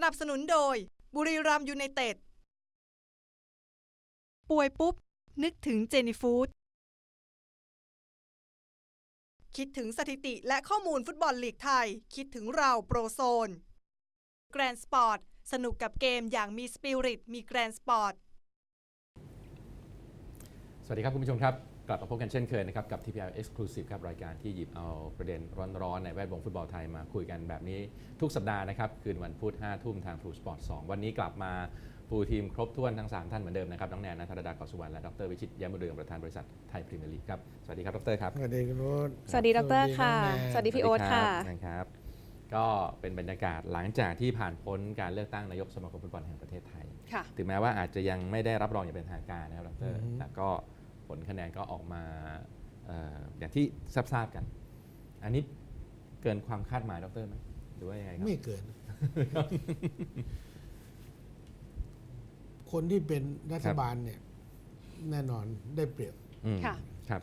นับสนุนโดยบุรีรัมย์ยูไนเต็ดป่วยปุ๊บนึกถึงเจนี่ฟู้ดคิดถึงสถิติและข้อมูลฟุตบอลลีกไทยคิดถึงเราโปรโซนแกรนด์สปอร์ตสนุกกับเกมอย่างมีสปิริตมีแกรนด์สปอร์ตสวัสดีครับคุณผู้ชมครับกลับมาพบกันเช่นเคยนะครับกับ TPL Exclusive ครับรายการที่หยิบเอาประเด็นร้อนๆในแวดวงฟุตบอลไทยมาคุยกันแบบนี้ทุกสัปดาห์นะครับคืนวันพุธ 5 ทุ่มทาง True Sport 2 วันนี้กลับมาฟูลทีมครบถ้วนทั้ง 3 ท่านเหมือนเดิมนะครับน้องแนน ณัฐดา เกาะสุวรรณและดร.วิชิต แย้มบุญเรืองประธานบริษัทไทยพรีเมียร์ลีกครับสวัสดีครับดร.ครับสวัสดีคุณโอ๊ตสวัสดีดร.ค่ะสวัสดีพี่โอ๊ตค่ะนะครับก็เป็นบรรยากาศหลังจากที่ผ่านพ้นการเลือกตั้งนายกสมาคมฟุตบอลแห่งประเทศไทยถึงแม้ว่าอาจจะยังไม่ได้รับรองอย่างเป็นทางการนะครับดร.แต่ก็ผลคะแนนก็ออกมาอย่างที่ทราบกัน อันนี้เกินความคาดหมายดร.ไหมหรือว่ายังไงครับไม่เกิน คนที่เป็นรัฐบาลเนี่ยแน่นอนได้เปรียบค่ะครับ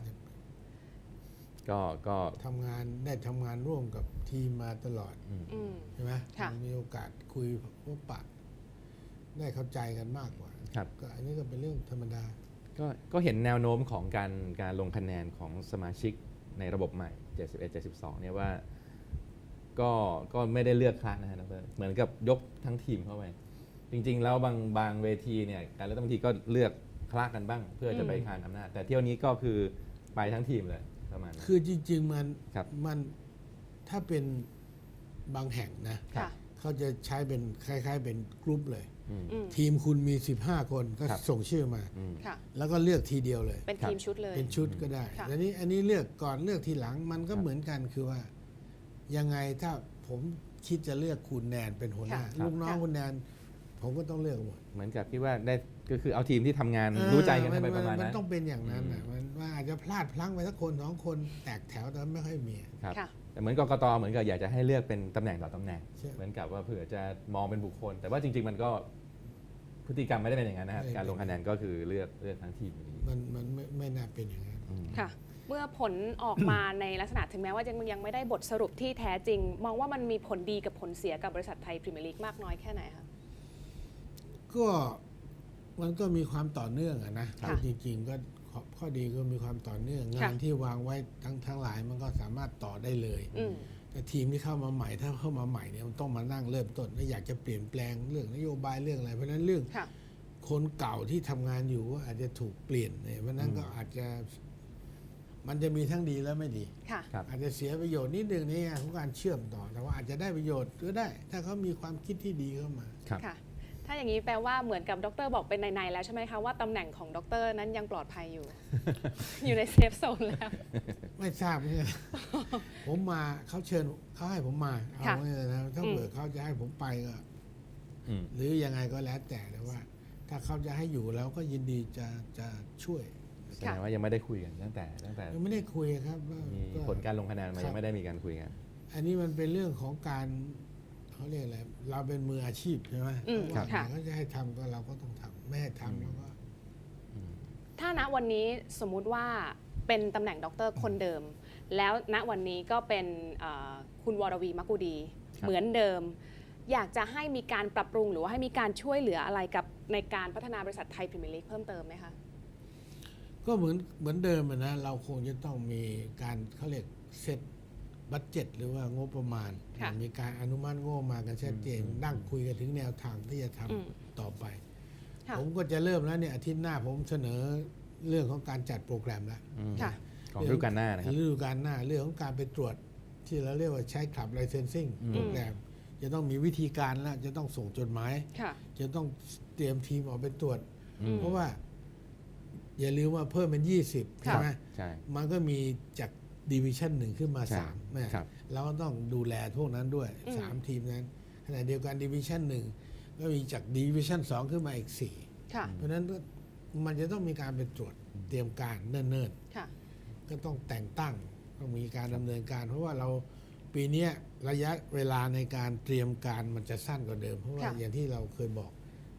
ก็ทำงานร่วมกับทีมมาตลอดใช่ไหมมีโอกาสคุยพบปะได้เข้าใจกันมากกว่าก็อันนี้ก็เป็นเรื่องธรรมดาก็เห็นแนวโน้มของการลงคะแนนของสมาชิกในระบบใหม่71-72เนี่ยว่าก็ไม่ได้เลือกคลาสนะฮะดร.เหมือนกับยกทั้งทีมเข้าไปจริงๆแล้วบางเวทีเนี่ยการเลือกตั้งบางทีก็เลือกคลาสกันบ้างเพื่อจะไปคานอำนาจแต่เที่ยวนี้ก็คือไปทั้งทีมเลยประมาณนั้นคือจริงๆมันถ้าเป็นบางแห่งนะเขาจะใช้เป็นคล้ายๆเป็นกรุ๊ปเลยทีมคุณมี15คนก็ส่งชื่อมาแล้วก็เลือกทีเดียวเลยเป็นทีมชุดเลยเป็นชุดก็ได้อันนี้เลือกก่อนเลือกทีหลังมันก็เหมือนกันคือว่ายังไงถ้าผมคิดจะเลือกคุณแนนเป็นหัวหน้าลูกน้องคุณแนนผมก็ต้องเลือกหมดเหมือนกับที่ว่าได้ก็คือเอาทีมที่ทำงานรู้ใจกันไปประมาณนั้นมันต้องเป็นอย่างนั้นมันว่าอาจจะพลาดพลั้งไปสักคน2คนแตกแถวแต่ไม่ค่อยมีครับแต่เหมือนกกตเหมือนกับอยากจะให้เลือกเป็นตำแหน่งต่อตำแหน่งเหมือนกับว่าเผื่อจะมองเป็นบุคคลแต่ว่าจริงๆมันก็พฤติกรรมไม่ได้เป็นอย่างนั้นนะครับการลงคะแนนก็คือเลือกทั้งทีมมันไม่น่าเป็นอย่างนั้นค่ะเมื่อผลออกมาในลักษณะถึงแม้ว่ายังไม่ได้บทสรุปที่แท้จริงมองว่ามันมีผลดีกับผลเสียกับบริษัทไทยพรีเมียร์ลีกมากน้อยแค่ไหนคะก็มันก็มีความต่อเนื่องนะจริงๆก็ข้อดีก็มีความต่อเนื่องงานที่วางไว้ทั้งหลายมันก็สามารถต่อได้เลยแต่ทีมที่เข้ามาใหม่ถ้าเข้ามาใหม่เนี่ยมันต้องมานั่งเริ่มต้นและอยากจะเปลี่ยนแปลงเรื่องนโยบายเรื่องอะไรเพราะนั้นเรื่องคนเก่าที่ทำงานอยู่ก็อาจจะถูกเปลี่ยนเนี่ยเพราะนั้นก็อาจจะมันจะมีทั้งดีและไม่ดีอาจจะเสียประโยชน์นิดนึงในแง่ของการเชื่อมต่อแต่ว่าอาจจะได้ประโยชน์ก็ได้ถ้าเขามีความคิดที่ดีเข้ามาถ้าอย่างนี้แปลว่าเหมือนกับดร.บอกเป็นในแล้วใช่ไหมคะว่าตำแหน่งของดร.นั้นยังปลอดภัยอยู่ อยู่ในเซฟโซนแล้วไม่ทราบเนี่ยผมมาเขาเชิญเขาให้ผมมาเอาเนี่ยนะถ้าเกิดเขาจะให้ผมไปก็หรือยังไงก็แล้วแต่ว่าถ้าเขาจะให้อยู่แล้วก็ยินดีจะช่วยแสดงว่ายังไม่ได้คุยกันตั้งแต่ยังไม่ได้คุยครับมีผลการลงคะแนนมายังไม่ได้มีการคุยกันอันนี้มันเป็นเรื่องของการเขาเรียกอะไรเราเป็นมืออาชีพใช่ไหมเขาจะให้ทำก็เราก็ต้องทำไม่ให้ทำแล้วก็ถ้าณวันนี้สมมุติว่าเป็นตำแหน่งด็อกเตอร์คนเดิมแล้วณวันนี้ก็เป็นคุณวรวีมักกุดีเหมือนเดิมอยากจะให้มีการปรับปรุงหรือว่าให้มีการช่วยเหลืออะไรกับในการพัฒนาบริษัทไทยพรีเมียร์ลีกเพิ่มเติมไหมคะก็เหมือนเดิมนะเราคงจะต้องมีการเขาเรียกเซตบัดเจ็ตหรือว่างบประมาณมีการอนุมัติงบมากันชัดเจนนั่งคุยกันถึงแนวทางที่จะทำต่อไปผมก็จะเริ่มแล้วเนี่ยอาทิตย์หน้าผมเสนอเรื่องของการจัดโปรแกรมแล้วของฤดูกาลหน้านะครับฤดูกาลหน้าเรื่องของการไปตรวจที่เราเรียกว่าใช้ขับไลเซนซิ่งโปรแกรมจะต้องมีวิธีการแล้วจะต้องส่งจดหมายจะต้องเตรียมทีมออกไปตรวจเพราะว่าอย่าลืมว่าเพิ่มเป็น20ใช่ไหมมันก็มีจากดิวิชั่น1ขึ้นมา3เราก็ต้องดูแลพวกนั้นด้วย3ทีมนั้นขณะเดียวกันดิวิชั่น1ก็มีจากดิวิชั่น2ขึ้นมาอีก4เพราะฉะนั้นมันจะต้องมีการไปตรวจเตรียมการเนิ่นๆก็ต้องแต่งตั้งต้องมีการดำเนินการเพราะว่าเราปีนี้ระยะเวลาในการเตรียมการมันจะสั้นกว่าเดิมเพราะว่าอย่างที่เราเคยบอก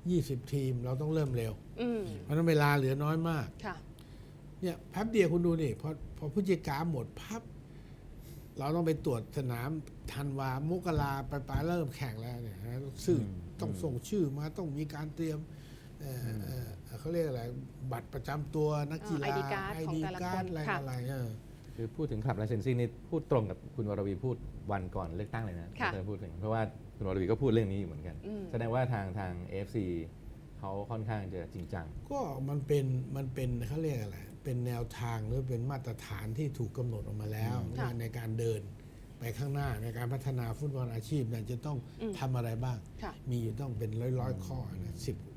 20ทีมเราต้องเริ่มเร็วเพราะนั้นเวลาเหลือน้อยมากเนี่ยแป๊บเดียวคุณดูนี่พอพฤศจิกาหมดพับเราต้องไปตรวจสนามธันวามกราปลายเริ่มแข่งแล้วเนี่ยซึ่งต้องส่งชื่อมาต้องมีการเตรียมเขาเรียกอะไรบัตรประจำตัวนักกีฬา ID card ของแต่ละคนอะไรค่ะอะไรคือพูดถึงคลับไลเซนซิ่งนี่พูดตรงกับคุณวรวีพูดวันก่อนเลือกตั้งเลยนะค่ะเธอพูดถึงเพราะว่าคุณวรวีก็พูดเรื่องนี้อยู่เหมือนกัน แสดงว่าทาง AFC เขาค่อนข้างจะจริงจังก็มันเป็นเขาเรียกอะไรเป็นแนวทางหรือเป็นมาตรฐานที่ถูกกำหนดออกมาแล้วค่ะว่าในการเดินไปข้างหน้าในการพัฒนาฟุตบอลอาชีพเนี่ยจะต้องทำอะไรบ้างค่ะมีอยู่ต้องเป็นร้อยข้อนะ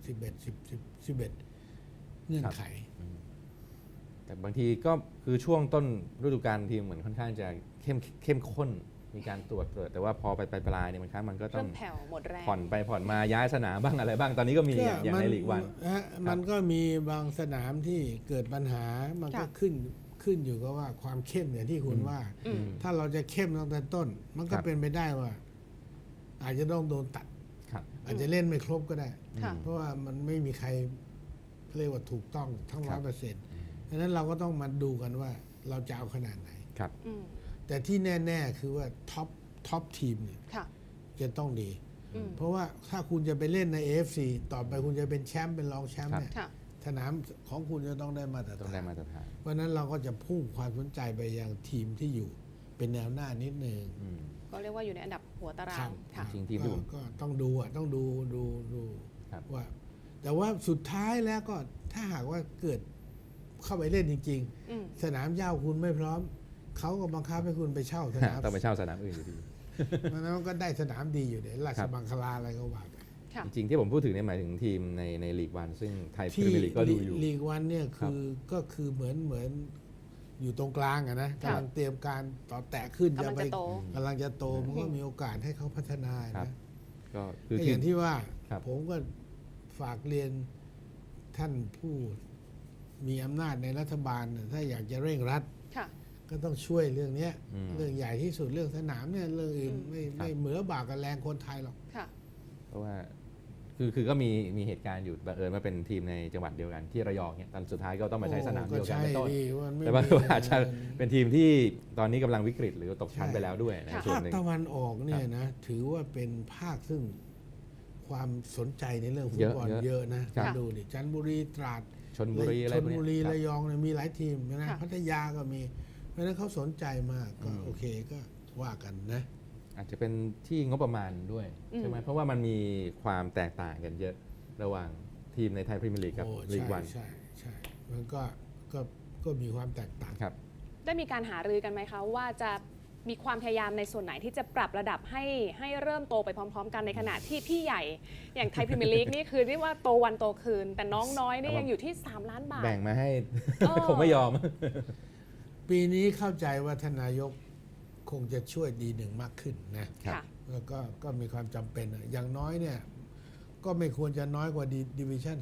11เงื่อนไขแต่บางทีก็คือช่วงต้นฤดูกาลทีมเหมือนค่อนข้างจะเข้มข้นมีการตรวจแต่ว่าพอไปปลายเนี่ยมันก็ต้เริ่องมแผ่วหมดแรงผ่อนไปผ่อนมาย้ายสนามบ้างอะไรบ้างตอนนี้ก็มีอย่างในลีกวันมันก็มีบางสนามที่เกิดปัญหามันก็ค่ะขึ้นอยู่กับว่าความเข้มอย่างที่คุณว่าอืมถ้าเราจะเข้มตั้งแต่ต้น มันก็ครับเป็นไปได้ว่า อาจจะต้องโดนตัดครับอาจจะเล่นไม่ครบก็ได้ค่ะเพราะว่ามันไม่มีใครเรียกว่าถูกต้องทั้งครั 100%ดังนั้นเราก็ต้องมาดูกันว่าเราจะเอาขนาดไหนครับอืมแต่ที่แน่ๆคือว่าท็อปทีมเนี่ยค่ะจะต้องดีอืมเพราะว่าถ้าคุณจะไปเล่นใน AFC ต่อไปคุณจะเป็นแชมป์เป็นรองแชมป์เนี่ยค่ะสนามของคุณจะต้องได้มาตรต้องฐาได้นมาตรฐานเพราะฉะนั้นเราก็จะพุ่งความสนใจไปยังทีมที่อยู่เป็นแนวหน้านิดนึงอืมก็เรียกว่าอยู่ในอันดับหัวตาราง ค่ะจริงๆทีมที่ผมก็ต้องดูต้องดูครับว่า แต่ว่าสุดท้ายแล้วก็ถ้าหากว่าเกิดเข้าไปเล่นจริงอืมๆ สนามหญ้าคุณไม่พร้อม เขาก็บังคับให้คุณไปเช่าสนามต้องไปเช่าสนามอื่นอยู่ดีเพราะฉะนั้นก็ได้สนามดีอยู่เดี๋ยวราชบังคลาอะไรก็ว่าไปค่ะจริงๆที่ผมพูดถึงเนี่ยหมายถึงทีมในลีกวันซึ่งไทยพรีที่เมียร์ลีกก็ดูอยู่ลีกวันเนี่ยก็คือเหมือนอยู่ตรงกลางอะนะครับกำลังเตรียมการต่อแตะขึ้นกำลังจะโตกำลังจะโตมันก็มีโอกาสให้เขาพัฒนาครับนะก็คือก็อทีมย่างที่ว่าครับผมก็ฝากเรียนท่านผู้มีอำนาจในรัฐบาลน่ะถ้าอยากจะเร่งรัดค่ะก็ต้องช่วยเรื่องเนี้ยอืมเรื่องใหญ่ที่สุดเรื่องสนามเนี่ยเรื่องอื่นอืมไม่เหมือบากกับแรงคนไทยหรอกค่ะเพราะว่าคือก็มีเหตุการณ์อยู่บังเอิญว่าเป็นทีมในจังหวัดเดียวกันที่ระยองเนี่ยตอนสุดท้ายก็ต้องมาใช้สนามเดียวกันเป็นต้นก็ใช่ดิว่ามันไม่แต่ว่ามีอาจจะเป็นทีมที่ตอนนี้กำลังวิกฤตหรือตกชั้นไปแล้วด้วยในค่ะส่วนภาคหนึ่งตะวันออกเนี่ยนะถือว่าเป็นภาคซึ่งความสนใจในเรื่องฟุตบอลเยอะเยอะนะครับดูดิจันทบุรีตราดชนบุรีอะไรชพลวกเนี้ยบุรีครับระยองเนี่ยมีหลายทีมนะค่ะพัทยาก็มี เพราะฉะนั้นเขาสนใจมากก็อืมโอเคก็ว่ากันนะอาจจะเป็นที่งบประมาณด้วยใช่ไหมเพราะว่ามันมีความแตกต่างกันเยอะระหว่างทีมในไทยพรีเมียร์ลีกกับโอ้ลีกใช่วันใช่มันก็มีความแตกต่างครับได้มีการหารือกันไหมคะว่าจะมีความพยายามในส่วนไหนที่จะปรับระดับให้เริ่มโตไปพร้อม ๆ กันในขณะที่พี่ใหญ่อย่างไทยพรีเมียร์ลีกนี่คือเรียกว่าโตวันโตคืน แต่น้องน้อยนี่ยังอยู่ที่ 3 ล้านบาทแบ่งมาให้เออผมไม่ยอมปีนี้เข้าใจว่าทานนายกคงจะช่วยดีหนึ่งมากขึ้นนะครับค่ะแล้วก็มีความจำเป็นอะอย่างน้อยเนี่ยก็ไม่ควรจะน้อยกว่าดิวิชั่น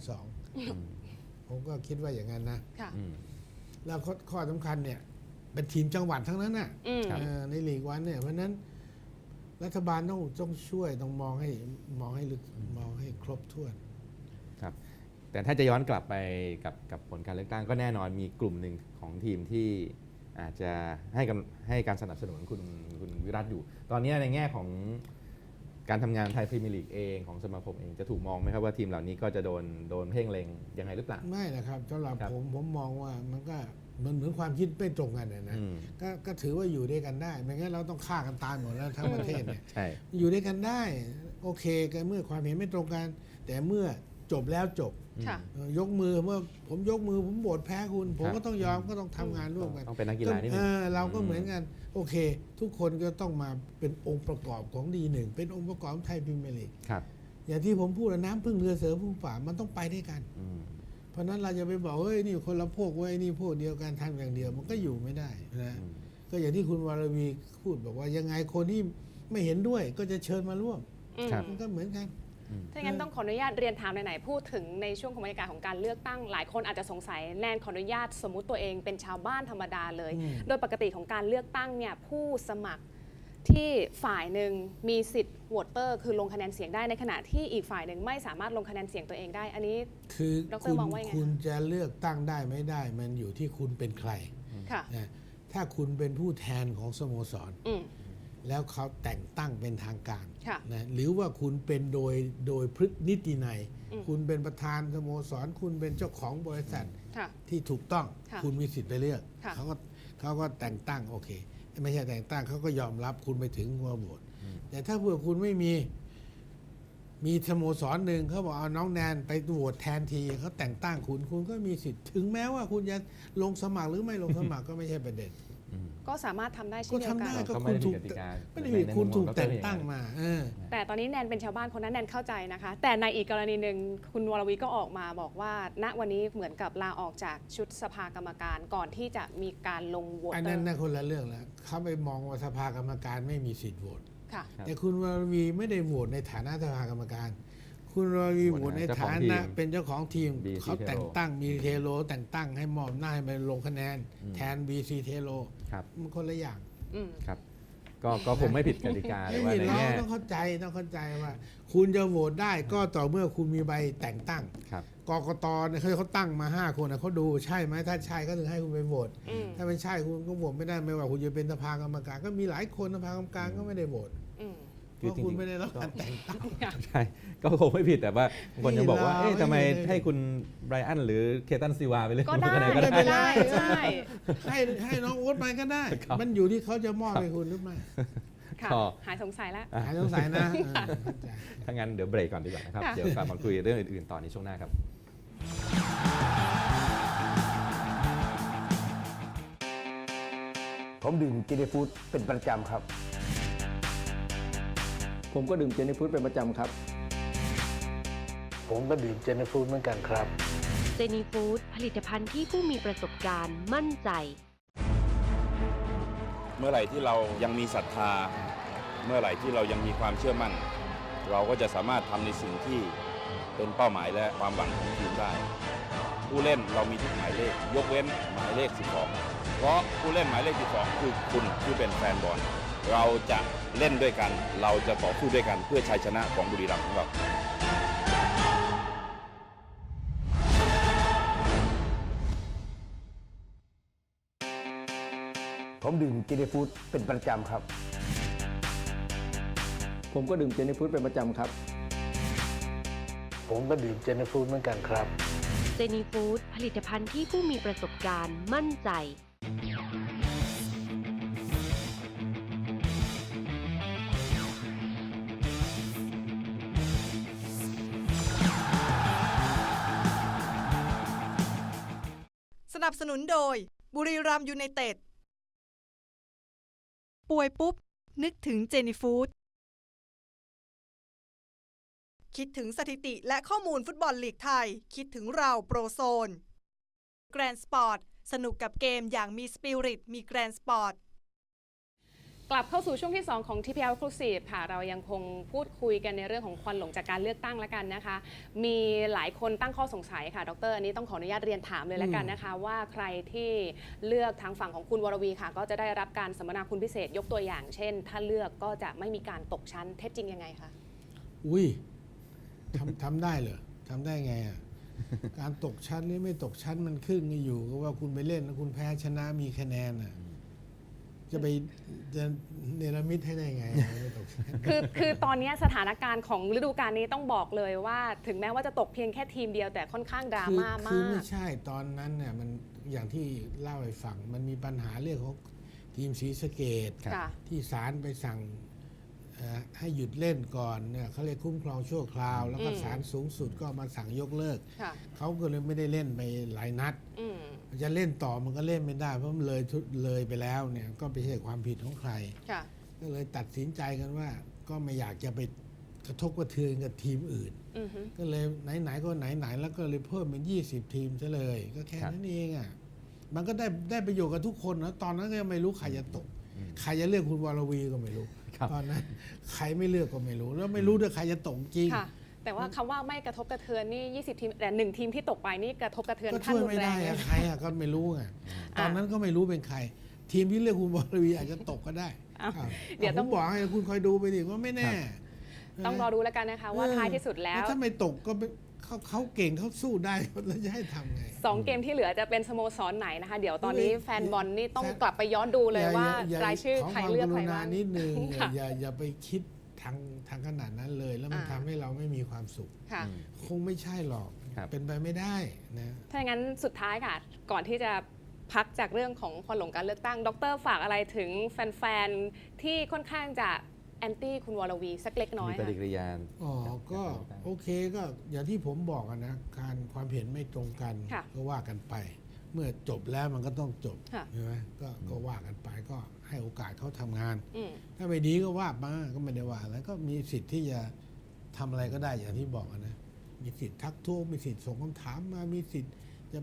2ผมก็คิดว่าอย่างนั้นนะค่ะอืมแล้วข้อสำคัญเนี่ยเป็นทีมจังหวัดทั้งนั้นน่ะอืมครับในลีกวันเนี่ยเพราะฉะนั้นรัฐบาลต้องช่วยต้องมองให้ลึกมองให้ครบถ้วนครับแต่ถ้าจะย้อนกลับไปกับผลการเลือกตั้งก็แน่นอนมีกลุ่มหนึ่งของทีมที่อาจจะให้การสนับสนุนคุณวิรัตอยู่ ตอนนี้ในแง่ของการทำงานไทยพรีเมียร์ลีกเองของสมาคมเองจะถูกมองไหมครับว่าทีมเหล่านี้ก็จะโดนเพ่งเล็งยังไงหรือเปล่าไม่นะครับสำหรับครับผมมองว่ามันก็มันเหมือนความคิดไม่ตรงกันนะอืมก็ถือว่าอยู่ด้วยกันได้ไม่งั้นเราต้องฆ่ากันตายหมดแล้วทั้งประเทศเนี่ยใช่อยู่ด้วยกันได้โอเคกันเมื่อความเห็นไม่ตรงกัน แต่เมื่อจบแล้วจบค่ะยกมือเมื่อผมยกมือผมโหวตแพ้คุณ ผมครับก็ต้องยอมก็ต้องทำงานร่วมกันต้องเป็นนักกีฬานิดนึงเราก็เหมือนกัน โอเค ทุกคนก็ต้องมาเป็นองค์ประกอบของดีหนึ่งเป็นองค์ประกอบของไทยพรีเมียร์ลีกครับอย่างที่ผมพูดนะน้ำพึ่งเรือเสือพึ่งป่ามันต้องไปด้วยกันอืมเพราะฉะนั้นเราจะไปบอกเฮ้ยนี่คนละพวกเว้ยนี่พวกเดียวกันทำอย่างเดียวมันก็อยู่ไม่ได้นะอืมก็อย่างที่คุณวรวีพูดบอกว่ายังไงคนที่ไม่เห็นด้วยก็จะเชิญมาร่วมอืมครับมันก็เหมือนกันถ้าอย่างนั้นต้องขออนุญาตเรียนถามไหนๆพูดถึงในช่วงของบรรยากาศของการเลือกตั้งหลายคนอาจจะสงสัยแนนขออนุญาตสมมุติตัวเองเป็นชาวบ้านธรรมดาเลยอืมโดยปกติของการเลือกตั้งเนี่ยผู้สมัครที่ฝ่ายหนึ่งมีสิทธิ์โหวตเตอร์คือลงคะแนนเสียงได้ในขณะที่อีกฝ่ายหนึ่งไม่สามารถลงคะแนนเสียงตัวเองได้ อันนี้คือดรคุณมองว่ายังไงคะคุณจะเลือกตั้งได้ไม่ได้ มันอยู่ที่คุณเป็นใครค่ะนะถ้าคุณเป็นผู้แทนของสโมสรอืมแล้วเขาแต่งตั้งเป็นทางการค่ะนะหรือว่าคุณเป็นโดยพฤตินิตินัยอืมคุณเป็นประธานสโมสรคุณเป็นเจ้าของบริษัทค่ะที่ถูกต้องค่ะคุณมีสิทธิ์ไปเลือกค่ะเขาก็แต่งตั้งโอเค ไม่ใช่แต่งตั้งเขาก็ยอมรับคุณไปถึงหัวโหวตแต่ถ้าเผื่อคุณไม่มีสโมสรหนึ่งเขาบอกเอาน้องแนนไปโหวตแทนทีเขาแต่งตั้งคุณก็มีสิทธิ์ถึงแม้ว่าคุณจะลงสมัครหรือไม่ลงสมัครก็ไม่ใช่ประเด็นก็สามารถทำได้เช่ก็นเดียวทำกัได้นก็ก็ไม่คุณได้ถูผิกดกติกาไม่ได้ผิดคุณถูกแต่งตั้งมาแต่ตอนนี้แนนเป็นชาวบ้านคนนั้นแนนเข้าใจนะคะ แต่ในอีกกรณีหนึ่งคุณวรวีก็ออกมาบอกว่า ณวันนี้เหมือนกับลาออกจากชุดสภากรรมการก่อนที่จะมีการลงโหวตอันนั้นน่ะคนละเรื่องแล้วเขาไปมองว่าสภากรรมการไม่มีสิทธิ์โหวตค่ะแต่คุณวรวีไม่ได้โหวตในฐานะสภากรรมการ คุณวรวีโหวตในฐานะเป็นเจ้าของทีม BC เขาแต่งตั้งมีเทโลแต่งตั้งให้มอบหน้าให้ไปลงคะแนน แทน BC เทโลครับมันคนละอย่างอืมครับก็คงไม่ผิดกติกาแต่ไม่ว่ามีในเราแง่ต้องเข้าใจว่า คุณจะโหวตได้ก็ต่อเมื่อคุณมีใบแต่งตั้งครับกกตเนี่ยเขาตั้งมา 5 คนนะเขาดูใช่ไหมถ้าใช่ก็ถึงให้คุณไปโหวตอืมถ้าไม่ใช่คุณก็โหวตไม่ได้ไม่ว่าคุณจะเป็นสภากรรมการ ก็มีหลายคนสภากรรมการก็ไม่ได้โหวตอืมเพราะคุณไม่ได้รับการแต่งตั้งใช่ก็คงไม่ผิดแต่ว่าบางคนจะบอกว่านี่เราเอ๊ะทำไมไม่ได้ให้คุณไบรอันหรือเคตันซิวาไปเล่นก็ได้คะแนนก็ไม่ได้เป็นไรใช่ให้น้องโอ๊ตไปก็ได้ครับมันอยู่ที่เขาจะมอบให้คุณหรือไม่ค่ะก็หายสงสัยแล้วหายสงสัยนะเข้าใจถ้างั้นเดี๋ยวเบรกก่อนดีกว่านะครับค่ะเดี๋ยวกลับมาคุยเรื่องอื่นๆต่อในช่วงหน้าครับผมดื่มเจเนฟูดเป็นประจำครับ ผมก็ดื่มเจเนฟูดเป็นประจำครับผมก็ดื่มเจนฟูดเหมือนกันครับเจนีฟู้ดผลิตภัณฑ์ที่ผู้มีประสบการณ์มั่นใจเมื่อไหร่ที่เรายังมีศรัทธา เมื่อไหร่ที่เรายังมีความเชื่อมั่น เราก็จะสามารถทำในสิ่งที่เป็นเป้าหมายและความหวังของทีมได้ ผู้เล่นเรามีทุกหมายเลข ยกเว้นหมายเลข 12 เพราะผู้เล่นหมายเลข 12 คือคุณที่เป็นแฟนบอล เราจะเล่นด้วยกัน เราจะต่อสู้ด้วยกันเพื่อชัยชนะของบุรีรัมย์ของเราผมดื่มเจเนฟูดเป็นประจำครับ ผมก็ดื่มเจเนฟูดเป็นประจำครับผมก็ดื่มเจนฟูดเหมือนกันครับเจนีฟู้ดผลิตภัณฑ์ที่ผู้มีประสบการณ์มั่นใจสนับสนุนโดยบุรีรัมย์ยูไนเต็ด ป่วยปุ๊บ นึกถึงเจนี่ฟู้ดคิดถึงสถิติและข้อมูลฟุตบอลลีกไทย คิดถึงเราโปรโซน แกรนสปอร์ต สนุกกับเกมอย่างมีสปิริต มีแกรนสปอร์ตกลับเข้าสู่ช่วงที่ 2 ของ TPL Exclusive ค่ะ เรายังคงพูดคุยกันในเรื่องของควันหลงจากการเลือกตั้งแล้วกันนะคะ มีหลายคนตั้งข้อสงสัยค่ะ ดรอันนี้ต้องขออนุญาตเรียนถามเลยแล้วกันนะคะ ว่าใครที่เลือกทางฝั่งของคุณวรวีค่ะ ก็จะได้รับการสัมมนาคุณพิเศษยกตัวอย่าง เช่น ถ้าเลือกก็จะไม่มีการตกชั้นเท็จจริงยังไงคะอุ้ยทำได้เหรอทำได้ไงอ่ะ การตกชั้นหรือไม่ตกชั้นมันขึ้นอยู่กับว่าคุณไปเล่นแล้วคุณแพ้ชนะมีคะแนนอ่ะจะเนรมิตให้ได้ไงไม่ตกชั้นคือตอนนี้สถานการณ์ของฤดูกาลนี้ต้องบอกเลยว่า ถึงแม้ว่าจะตกเพียงแค่ทีมเดียวแต่ค่อนข้างดราม่าคือมาไม่กใช่ตอนนั้นเนี่ยมันอย่างที่เล่าให้ฟังมันมีปัญหาเรื่องของทีมศรีสะเกษค่ะที่ศาลไปสั่งให้หยุดเล่นก่อนเนี่ยเขาเรียกคุ้มครองชั่วคราว แล้วก็ศาลสูงสุดก็มาสั่งยกเลิกค่ะเขาก็เลยไม่ได้เล่นไปหลายนัดอืมจะเล่นต่อมันก็เล่นไม่ได้เพราะมันเลยไปแล้วเนี่ยก็ไม่ใช่ความผิดของใครค่ะก็เลยตัดสินใจกันว่าก็ไม่อยากจะไปกระทบกระเทือนกับทีมอื่นอือฮึก็เลยไหนๆก็ไหนๆแล้วก็เลยเพิ่มเป็น20 ทีมซะเลย ก็แค่นั้นเองอ่ะมันก็ได้ประโยชน์กับทุกคนนะตอนนั้นก็ยังไม่รู้ใครจะตก ใครจะเลือกคุณวรวีก็ไม่รู้ครับตอนนั้นใครไม่เลือกก็ไม่รู้ แล้วไม่รู้ด้วยใครจะตกจริงค่ะ แต่ว่าคำว่าไม่กระทบกระเทือนนี่ 20 ทีม แต่ 1 ทีมที่ตกไปนี่กระทบกระเทือนก็ขั้นช่วยรุนไม่แรได้งเลอะยใครอะก็ไม่รู้ไงตอนนั้นก็ไม่รู้เป็นใคร ทีมที่เลือกคุณวรวีอาจจะตกก็ได้อ้าวอ้าวเดี๋ยวต้องผมบอกให้คุณคอยดูไปดิว่าไม่แน่ต้องรอดูแล้วกันนะคะว่าท้ายที่สุดแล้วถ้าไม่ตกก็เขาเขาเก่งเขาสู้ได้แล้วจะให้ทำไง 2 เกมที่เหลือจะเป็นสโมสรไหนนะคะ เดี๋ยวตอนนี้เฮ้ยแฟนบอลนี่ต้องกลับไปย้อนดูเลยว่าอย่รายชื่อใครเลือกใครขอความกรุณาบ้างนิดนึงค่ะอย่าไปคิดทางขนาดนั้นเลย แล้วมันอ่าทำให้เราไม่มีความสุขค่ะคงไม่ใช่หรอกครับเป็นไปไม่ได้นะถ้าอย่างนั้นสุดท้ายค่ะ ก่อนที่จะพักจากเรื่องของควันหลงการเลือกตั้ง ดรฝากอะไรถึงแฟนๆ ที่ค่อนข้างจะแอนตี้คุณวรวีสักเล็กน้อยมีปค่ะฏิกิริยาอ๋อ ก็โอเคก็อย่างที่ผมบอกอะนะการความเห็นไม่ตรงกันค่ะก็ว่ากันไป เมื่อจบแล้วมันก็ต้องจบค่ะใช่ไหมก็ว่ากันไปก็ให้โอกาสเขาทำงานอืมถ้าไม่ดีก็ว่ามาก็ไม่ได้ว่าแล้วก็มีสิทธิ์ที่จะทำอะไรก็ได้อย่างที่บอกอะนะมีสิทธิ์ทักท้วงมีสิทธิ์ส่งคำถามมามีสิทธิ์จะ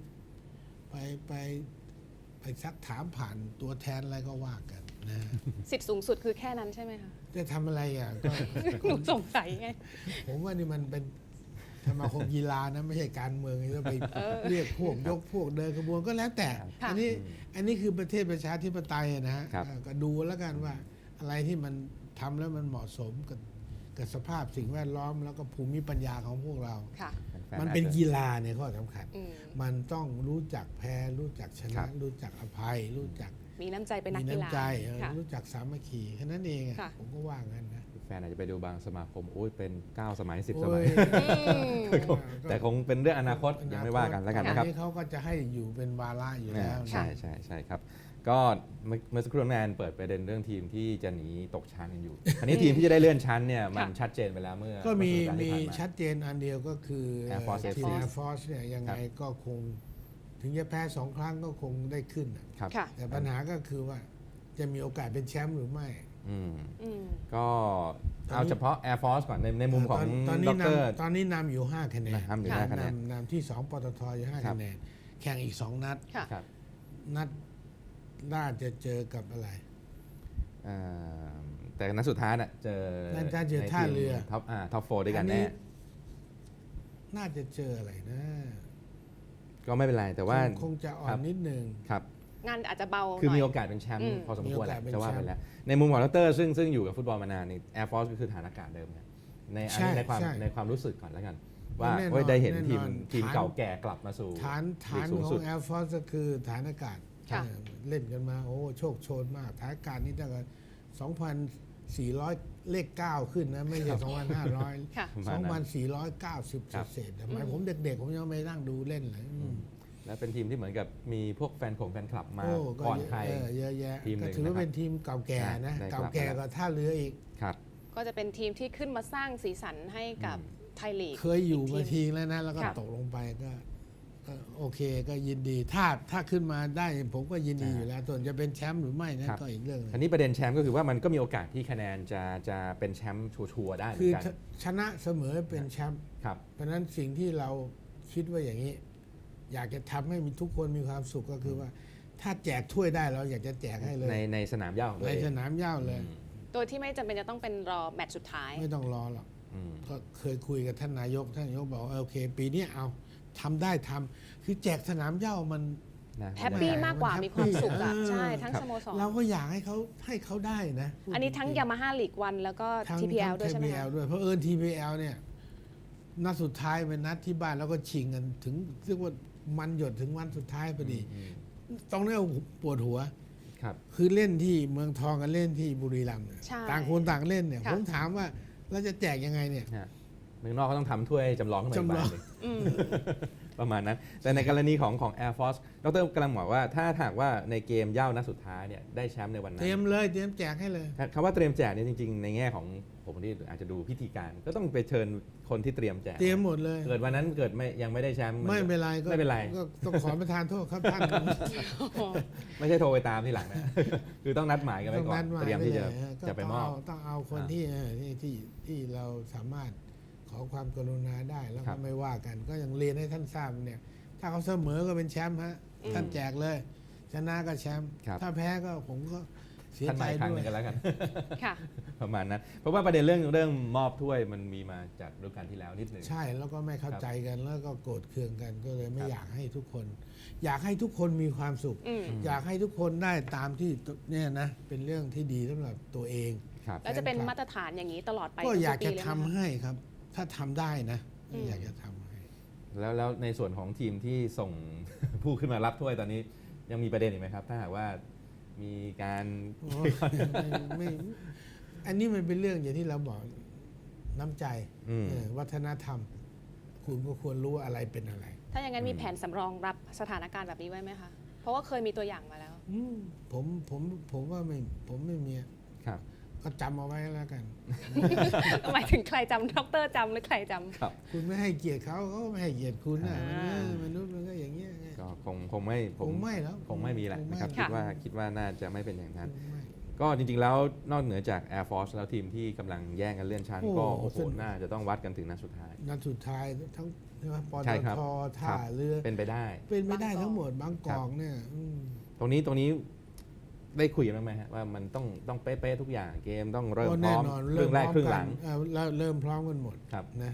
ไปซักถามผ่านตัวแทนอะไรก็ว่ากันนะสิทธิ์สูงสุดคือแค่นั้นใช่ไหมคะจะทำอะไรอ่ะก็หนูสงสัยไงผมว่านี่มันเป็นสมาคมกีฬานะไม่ใช่การเมืองจะไปเรียกพวกยกพวกเดินขบวนก็แล้วแต่ค่ะอันนี้คือประเทศประชาธิปไตยนะฮะครับก็ดูแล้วกันว่าอะไรที่มันทำแล้วมันเหมาะสมกับสภาพสิ่งแวดล้อมแล้วก็ภูมิปัญญาของพวกเราค่ะแฟๆมันเป็นอาจจะกีฬาเนี่ยข้อสำคัญอืมมันต้องรู้จักแพ้รู้จักชครันะบรู้จักอภัย รู้จักมีน้ำใจเป็นนัมีกกีฬาน้ำใจค่ะรู้จักสามัคคีแค่นั้นเองอะค่ะผมก็ว่างั้นนะแฟนอาจจะไปดูบางสมาคมโอ้ยเป็น 9 สมัย 10 สโอ้มัย แต่คงเป็นเรื่องอนาคตยังไม่ว่ากันแล้วกันนะครับอัเขาก็จะให้อยู่เป็นวาระอยู่แล้วนะใช่ครับ ก็เมื่อสักครู่แมนเปิดประเด็นเรื่องทีมที่จะหนีตกชั้นกันอยู่อันนี้ทีมที่จะได้เลื่อนชั้นเนี่ยมันชัดเจนไปแล้วเมื่อก็มีเอสัปดาห์ที่ผ่านมาชัดเจนอันเดียวก็คือ Air Force ทีม FC Air Force เนี่ยยังไงก็คง ถึงจะแพ้2 ครั้งก็คงได้ขึ้นน่ะครับค่ะแต่ปัญหาก็คือว่าจะมีโอกาสเป็นแชมป์หรือไม่อืมอืมก็เอาเฉพาะ Air Force ก่อนในมุมของตอนดนี้รตอนนี้นำอยู่ 5 คะแนนนำอยู่5คะแนนนำที่ 2 ปตทอยู่ 5 ครับคะแนน แข่งอีก 2 นัดค่ะครับนัดน่าจะเจอกับอะไรเอ่อแต่นัดสุดท้ายน่ะเจอน่าจะเจอท่าเรือท็อปโฟด้วยกันแน่น่าจะเจออะไรนะก็ไม่เป็นไรแต่ว่าคงจะอ่อครันบนิดนึงครับงานอาจจะเบาคือหน่มีอยโอกาสเป็นแชมป์อืมพอสมควรแหละมีโอกาสเป็นจะว่าแชไปมป์แล้ว ในมุมของดรซึ่งอยู่กับฟุตบอลมานานนี่ Air Force ก็คือฐานอากาศเดิมไงในอันนี้ใช่ในความใช่ในความรู้สึกก่อนแล้วกัน ว่าแน่นอนเฮ้ยได้เห็นแน่นอนทีมฐานเก่าแก่กลับมาสู่ฐานลีกสูงขอสุดง Air Force ก็คือฐานอากาศค่ะเล่นกันมาโอ้โชคโชนมากฐานอากาศนี่ตั้งแต่2,400 เลข 9 ขึ้นนะ ไม่ใช่ 2,500 ค่ะประมาณนั้น 2,490 ครับเศษๆสมัยผมเด็กๆ ผมยังไม่นั่งดูเล่นเลยและเป็นทีมที่เหมือนกับมีพวกแฟนคลับมาโอ้ก่อนใครเยอะแยะทีมหนึ่ก็งถือว่านะครับเป็นทีมเก่าแก่นะได้เก่าครับแก่กว่าท่าเรืออีกครับก็จะเป็นทีมที่ขึ้นมาสร้างสีสันให้กับไทยลีกเคยอยู่มาอีกทีแล้วนะ แล้วก็ค่ะตกลงไปก็โอเคก็ยินดี ถ้าขึ้นมาได้ผมก็ยินดีอยู่แล้วส่วนจะเป็นแชมป์หรือไม่นะครับ ก็อีกเรื่องหนึงอันนี้ประเด็นแชมป์ก็คือว่ามันก็มีโอกาสที่คะแนนจะเป็นแชมป์ชัวร์ๆได้เหมืคืออนกันชนะเสมอเป็นแชมป์ครับเพราะฉะนั้นสิ่งที่เราคิดว่าอย่างนี้ อยากจะทำให้มีทุกคนมีความสุขก็คือว่า ถ้าแจกถ้วยได้เราอยากจะแจกให้เลยในสนามหญ้าของตัวในเองสนามหญ้าเลยโดยที่ไม่จำเป็นจะต้องเป็นรอแมตช์สุดท้ายไม่ต้องรอหรอกอืมก็เคยคุยกับท่านนายกบอกว่าโอเค ปีนี้เอาทำได้ทำคือแจกสนามหญ้ามันนะแฮปปี้มากกว่ามันมีความสุขอ่ะแฮปปี้ใช่ทั้งครับสโมสรเราก็อยากให้เขาได้นะพูดอันนี้ทั้งจริๆยามาฮ่าลีกวันแล้วก็ทั้ง TPL ด้วยใช่ไหมคะ TPL ด้วยเพราะTPL เนี่ยนัดสุดท้ายเป็นนัดที่บ้านแล้วก็ชิงกันถึงเรียกว่ามันหยดถึงวันสุดท้ายพอดี ตรงนี้ปวดหัวครับคือเล่นที่เมืองทองกับเล่นที่บุรีรัมย์เนี่ยใช่ต่างคนต่างเล่นเนี่ยค่ะผมถามว่าเราจะแจกยังไงเนี่ยฮะเมืองนอกเขาต้องทำถ้วยจำลองขึ้นมาอีกจำลใบองหนึ่งอืมประมาณนั้น แต่ในกรณีของ Air Force ดรกำลังบอกว่าถ้าหากว่าในเกมเหย้านัดสุดท้ายเนี่ยได้แชมป์ในวันนั้เตนรียมเลยเตรียมแจกให้เลยคำว่าเตรียมแจกเนี่ยจริงๆ ในแง่ของผมที่อาจจะดูพิธีการ ก็ต้องไปเชิญคนที่เตรียมแจกเตรียมหมดเลยเกิดวันนั้นเกิดยังไม่ได้แชมป์ไม่เป็นไรก็ไม่เป็นไรก็ต้องขอประทานโทษครับท่านไม่ใช่โทรไปตามทีหลังนะ คือต้องนัดหมายกันไว้ก่อนนัดหาเตรียมที่จะก็จะไปมอบต้องเอาคนที่ที่เราสามารถขอความกรุณาได้แล้วครัก็บไม่ว่ากัน ก็ยังเรียนให้ท่านทราบเนี่ย ถ้าเขาเสมอก็เป็นแชมป์ฮะท่านแจกเลย ชนะก็แชมป์ครับถ้าแพ้ก็ผมก็เสียท่านใจมาอีกครั้งด้หวยนึงกันแล้วกันค่ะประมาณนั้น เพราะว่าประเด็นเรื่องมอบถ้วยมันมีมาจากฤดูกาลที่แล้วนิดหนึ่งใช่แล้วก็ไม่เข้าใจกันแล้วก็โกรธเคืองกันก็เลยไม่ครับอยากให้ทุกคน อยากให้ทุกคนมีความสุขอืมอยากให้ทุกคนได้ตามที่เนี่ยนะเป็นเรื่องที่ดีสำหรับตัวเองครับแล้วจะเป็นมาตรฐานอย่างนี้ตลอดไปก็อยากจะทุปีเลยทำไหมคะให้ครับ ถ้าทำได้นะอืมอยากจะทำให้แล้วในส่วนของทีมที่ส่ง ผู้ขึ้นมารับถ้วยตอนนี้ยังมีประเด็นอีกไหมครับ ถ้าหากว่ามีการโอ้ไม่อันนี้มันเป็นเรื่องอย่างที่เราบอกน้ำใจ วัฒนธรรม คุณก็ควรรู้ว่าอะไรเป็นอะไรถ้าอย่างนั้นมีแผนสำรองรับสถานการณ์แบบนี้ไว้ไหมคะ เพราะว่าเคยมีตัวอย่างมาแล้วผมว่าผมไม่มีครับก็จำเอาไว้แล้วกันหมายถึงใครจำดรจำหรือใครจำครับคุณไม่ให้เกียรติเขาก็ไม่ให้เกียรติคุณนะอ่ามนุษย์มันก็อย่างเงี้ยไงก็คงไม่คงไม่แล้วคงไม่มีแหละนะครับคงไม่คิดว่าน่าจะไม่เป็นอย่างนั้นคงไม่ก็จริงๆแล้วนอกเหนือจาก Air Force แล้วทีมที่กำลังแย่งกันเลื่อนชั้นโอ้ก็โอ้โหสนุกน่าจะต้องวัดกันถึงนัดสุดท้ายนัดสุดท้ายทั้งใช่ไหมปตใช่ครับทท่าครับเรือเป็นไปได้เป็นไม่ได้บางกอกทั้งหมดบางกอกเนี่ยตรงนี้ได้คุยกันบ้างไหมฮะว่ามันต้องเป๊ะๆทุกอย่างเกมต้องเริ่มก็พร้แน่อมนอนครึ่งแรกครึ่งหลังแล้วเริ่มพร้อมกันหมดครับนะ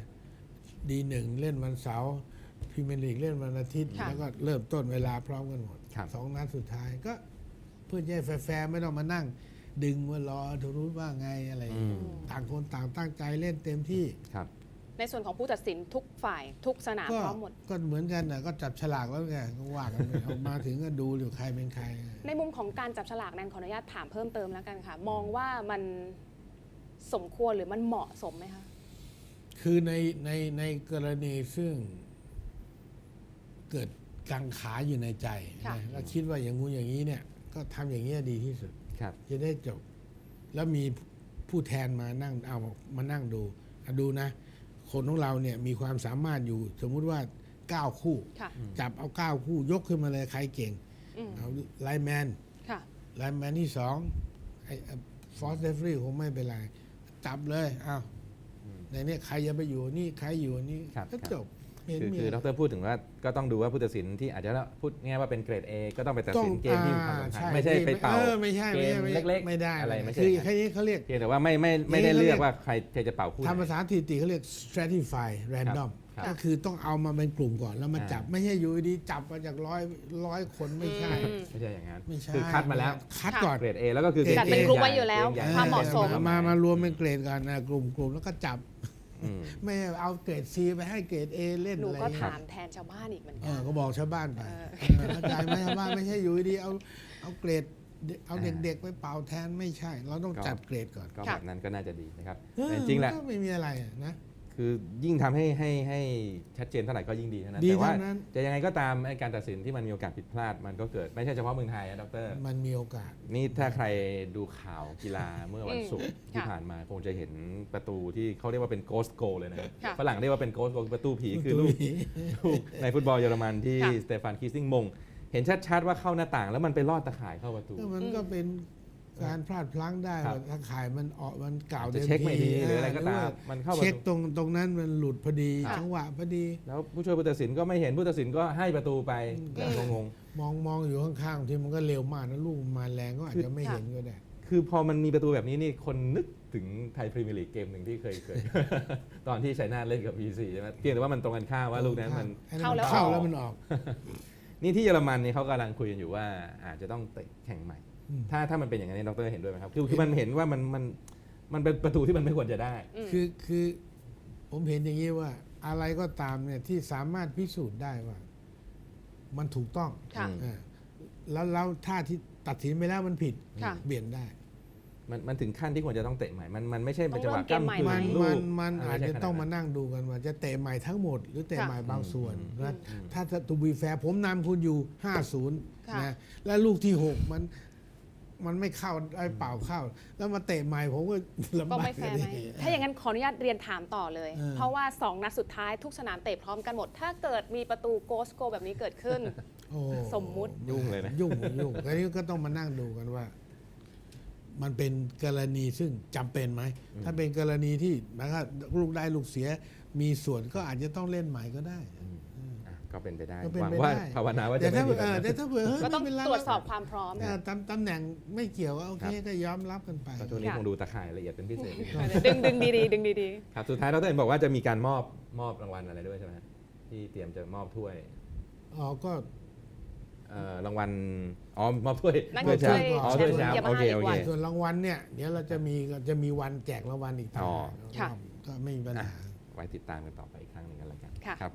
D1เล่นวันเสาร์พรีเมียร์ลีกเล่นวันอาทิตย์ค่ะแล้วก็เริ่มต้นเวลาพร้อมกันหมดครับสองนัดสุดท้ายก็เพื่อจะให้แฟร์ๆไม่ต้องมานั่ง ดึงว่ารอทุรู้ว่าไงอะไรอย่างเงี้ยอืมต่างคนต่างตั้งใจเล่นเต็มที่ครับในส่วนของผู้ตัดสินทุกฝ่ายทุกสนามก็พร้อมหมดก็เหมือนกันนะก็จับฉลากแล้วไงก็ว่ากันไป ออกมาถึงก็ดูอยู่ใครเป็นใครในมุมของการจับฉลากแนนขออนุญาตถามเพิ่มเติมแล้วกันค่ะ มองว่ามันสมควรหรือมันเหมาะสมไหมคะคือในกรณีซึ่งเกิดกังขาอยู่ในใจค่ะนะแล้วคิดว่าอย่างงู้นอย่างนี้เนี่ย ก็ทำอย่างนี้ยดีที่สุดครับจะได้จบ แล้วมีผู้แทนมานั่งเอามานั่งดูดูนะ คนของเราเนี่ยมีความสามารถอยู่ สมมุติว่า 9 คู่ค่ะจับเอา 9 คู่ ยกขึ้นมาเลยใครเก่งอืมเอาไลน์แมนค่ะไลน์แมนที่2ไอ้ฟอสเดฟรีคงไม่เป็นไร จับเลยอ้าวในนี้ใครจะไปอยู่นี่ใครอยู่นี่ครับก็จบเห็นมีคือดรพูดถึงว่าก็ต้องดูว่าผู้ตัดสินที่อาจจะพูดง่ายว่าเป็นเกรด A ก็ต้องไปตัดสินเกมที่มีความสำคัญไม่ใช่ไปเป่าไม่ใช่เกมเล็กๆไม่ได้อะไรไม่ใช่คืออย่างนั้นแค่นี้เขาเรียกเพียงแต่ว่าไม่ได้เลือกว่าใครจะเป่าคู่ไหนทำภาษาสถิติเขาเรียก stratify random ครับก็คือต้องเอามาเป็นกลุ่มก่อนแล้วมาจับอ่าไม่ใช่อยู่ดีจับมาจากร้อยคนไม่ใช่ไม่ใช่อย่างนั้นไม่ใช่คือคัดมาแล้วคัดก่อนเกรด A แล้วก็คือจัดเป็นกกลุ่มไว้อยู่แล้วกรดใญ่ความเหมาะสมมารวมเป็นเกรดกันนะกลุ่มแล้วก็จับอืมไม่เอาเกรด C ไปให้เกรด A เล่นหนูอะไรก็เงี้ยถามแทนชาวบ้านอีกเหมือนเอกัอน ก็บอกชาวบ้านไปเออเข้าใจไหมชาวบ้านไม่ใช่อยู่ดีเอาเกรดเอาเด็กๆไปเป่าแทนไม่ใช่ เราต้องจัดเกรดก่อนก็ค่ะแบบนั้นก็น่าจะดีนะครับเออแต่จริงๆแหละมันก็ไม่มีอะไรนะคือยิ่งทำให้ชัดเจนเท่าไหร่ก็ยิ่งดีเท่านั้นดีแต่ว่าเท่านั้นจะยังไงก็ตามไอ้การตัดสินที่มันมีโอกาสผิดพลาดมันก็เกิดไม่ใช่เฉพาะเมืองไทยนะดรมันมีโอกาสนี่ถ้าใครดูข่าวกีฬาเมื่อวันศุกร์ที่ค่ะผ่านมาคงจะเห็นประตูที่เขาเรียกว่าเป็น ghost goal เลยนะครับค่ะฝรั่งเรียกว่าเป็น ghost goal ประตูผีคือลูกในฟุตบอลเยอรมันที่ค่ะสเตฟานคีซิงมง เห็นชัดๆว่าเข้าหน้าต่าง แล้วมันไปลอดตะข่ายเข้าประตูก็มันก็เป็นการพลาดพลั้งได้ครับว่าถ้าขายมันออกมันเก่าจะเต็มเช็คไม่ดีทีหรืออะไรก็ตามว่ามันเข้าประเช็คตูตรงนั้นมันหลุดพอดีค่ะจังหวะพอดีแล้วผู้ช่วยผู้ตัดสินก็ไม่เห็นผู้ตัดสินก็ให้ประตูไปงงมองอยู่ข้างๆที่มันก็เร็วมากนะลูกมันมาแรงก็อาจจะไม่เห็นก็ได้ๆคือพอมันมีประตูแบบนี้นี่คนนึกถึงไทยพรีเมียร์ลีกเกมหนึ่งที่เคย ตอนที่ชัยนาทเล่นกับ PC ใช่ไหมเพียงแต่ว่ามันตรงกันข้ามว่าลูกนั้นมันเข้าแล้วเข้าออกแล้วมันออกนี่ที่เยอรมันนี่เขากำลังคุยกันอยู่ว่าอาจจะต้องเตะแข่งใหม่อืมถ้ามันเป็นอย่างนั้นดรเห็นด้วยไหมครับคือมันเห็นว่ามันเป็นประตูที่มันไม่ควรจะได้คือผมเห็นอย่างนี้ว่า อะไรก็ตามเนี่ยที่สามารถพิสูจน์ได้ว่า มันถูกต้องค่ะอ่าแล้วถ้าที่ตัดสินไปแล้วมันผิดค่ะเปลี่ยนได้มันถึงขั้นที่ควรจะต้องเตะใหม่ มันไม่ใช่เป็นต้จัองงหวะเริ่มเกมใหม่กล้ำกลืไหมนลูกมันอาจจะไใช่ต้องมาขดนั่งดูกันว่า จะเตะใหม่ทั้งหมด หรือเตะค่ะใหม่บางส่วนอืมนะอืมถ้าตูบีแฟร์ผมนำคุณอยู่ 50 ค่ะนะแล้วลูกที่ 6 มันไม่เข้าไอ้เปล่าเข้า แล้วมาเตะใหม่ผมก็ลำก็บากไม่แฟร์ไหมดิถ้าอย่างนั้นขออนุญาตเรียนถามต่อเลยเออเพราะว่า 2 นัดสุดท้ายทุกสนามเตะพร้อมกันหมด ถ้าเกิดมีประตูโกสโกแบบนี้เกิดขึ้นโอ้สมมุติยุ่งเลยนะยุ่งอันนี้ก็ต้องมานั่งดูกันว่า มันเป็นกรณีซึ่งจำเป็นไหม ถ้าเป็นกรณีที่นะครับลูกได้ลูกเสีย มีส่วนก็อาจจะต้องเล่นใหม่ก็ได้อ่ะก็เป็นไปได้ก็เป็นหวังไปว่าได้ภาวนาว่าแต่จะไม่ถ้ามีแบบนั้นแต่ถ้าเผื่อเฮ้ยก็ต้องไม่เป็นไรตรวจสอบความพร้อมตำแหน่งไม่เกี่ยวก็โอเคครับก็ยอมรับกันไปก็ช่วงนี้ค่ะคงดูตะข่ายละเอียดเป็นพิเศษดึงดีๆดึงดีครับสุดท้ายดรเห็นบอกว่าจะมีการมอบรางวัลอะไรด้วยใช่ไหมที่เตรียมจะมอบถ้วยอ๋อก็รางวัลมอบถ้วยนั่นคือถ้วยอ๋อถ้วยแชมป์แชมป์โอเคยามาฮ่าโอเคอีกวันส่วนรางวัลเนี่ยเดี๋ยวเราจะมีวันแจกรางวัลอีกทีอ๋อค่ะก็ไม่มีปัญหาไว้ติดตามกันต่อไปอีกครั้งหนึ่งกันแล้วกันค่ะครับผม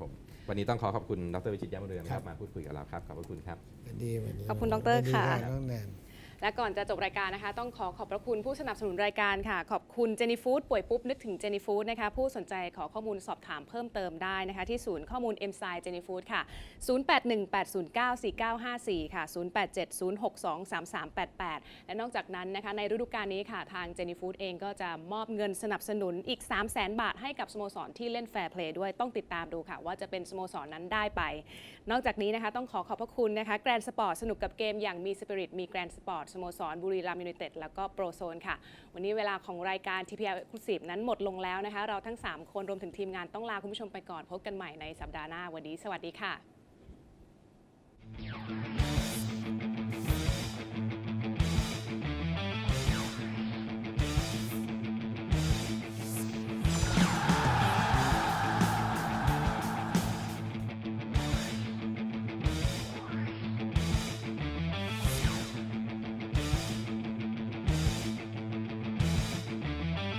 วันนี้ต้องขอบคุณดร.วิชิต ยามเรืองครับมาพูดคุยกับเราครับขอบพระคุณครับวันดีขอบคุณดร. ค่ะน้องแนนและก่อนจะจบรายการนะคะต้องขอบพระคุณผู้สนับสนุนรายการค่ะขอบคุณเจนี่ฟู้ดป่วยปุ๊บนึกถึงเจนี่ฟู้ดนะคะผู้สนใจขอข้อมูลสอบถามเพิ่มเติมได้นะคะที่ศูนย์ข้อมูล M-Science เจนี่ฟู้ดค่ะ 0818094954 ค่ะ 0870623388 และนอกจากนั้นนะคะในฤดูกาลนี้ค่ะทางเจนี่ฟู้ดเองก็จะมอบเงินสนับสนุนอีก 300,000 บาทให้กับสโมสรที่เล่นแฟร์เพลย์ด้วยต้องติดตามดูค่ะว่าจะเป็นสโมสรนั้นได้ไปนอกจากนี้นะคะต้องขอบพระคุณนะคะแกรนด์สปอร์ตสนุกกับเกมอย่างมีสปิริตมีแกรนด์สปอร์ตสโมสรบุรีรัมย์ยูไนเต็ดแล้วก็โปรโซนค่ะวันนี้เวลาของรายการ TPL Exclusive นั้นหมดลงแล้วนะคะเราทั้ง3คนรวมถึงทีมงานต้องลาคุณผู้ชมไปก่อนพบกันใหม่ในสัปดาห์หน้าวันนี้สวัสดีค่ะ